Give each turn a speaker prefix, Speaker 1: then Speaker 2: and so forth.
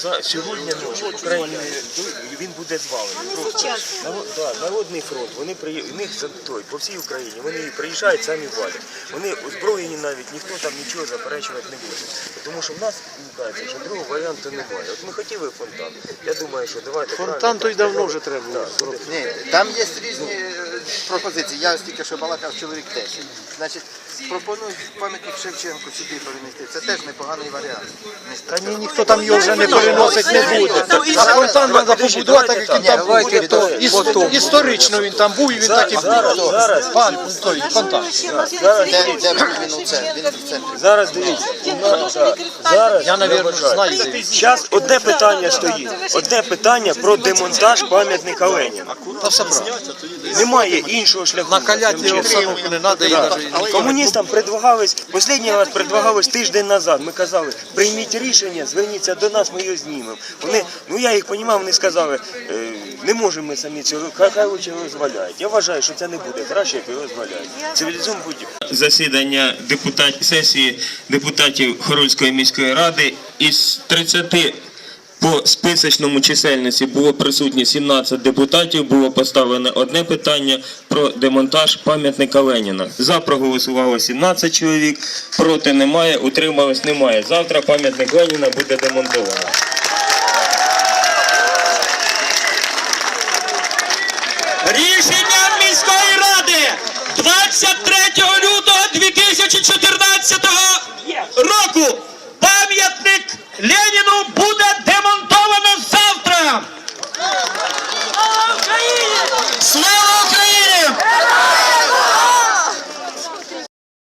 Speaker 1: сьогодні ночі в Україні він буде звалений. Народний фронт, вони у них по всій Україні, вони приїжджають, самі валять. Вони озброєні навіть, ніхто там нічого заперечувати не буде. Тому що в нас, мені кажеться, що другого варіанту немає. От ми хотіли фонтан, я думаю, що давайте...
Speaker 2: Фонтан то й давно вже треба було зробити.
Speaker 3: Ні, там є різні пропозиції. Я тільки що балакав чоловік 10. Значить, пропонують пам'ятник Шевченку сюди перенести. Це теж непоганий варіант.
Speaker 2: Та ні, ніхто там його вже не переносить не буде. А фонтан треба побудувати, так як він там був. Історично він там був і він так і був. Фонтан.
Speaker 3: Де він у центрі? Він в центрі.
Speaker 1: Зараз дивіться,
Speaker 2: Я, мабуть, знаю, де він.
Speaker 1: зараз одне питання стоїть. Одне питання про демонтаж пам'ятника Леніна.
Speaker 2: Та все правильно.
Speaker 1: Немає іншого шляху.
Speaker 2: Накаляти його обстановку не треба.
Speaker 1: Комуністам предлагалось, останній раз предлагалось тиждень назад. Ми казали, прийміть рішення, зверніться до нас, ми його знімемо. Вони, я їх розумію, вони сказали, не можемо ми самі цього, хай лучше його зваляють. Я вважаю, що це не буде краще, як його зваляють. Цивілізовано будь. Засідання сесії депутатів Хорольської міської ради із 30 по списочному чисельності було присутні 17 депутатів, було поставлено одне питання про демонтаж пам'ятника Леніна. За проголосувало 17 чоловік, проти немає, утрималось немає. Завтра пам'ятник Леніна буде демонтовано.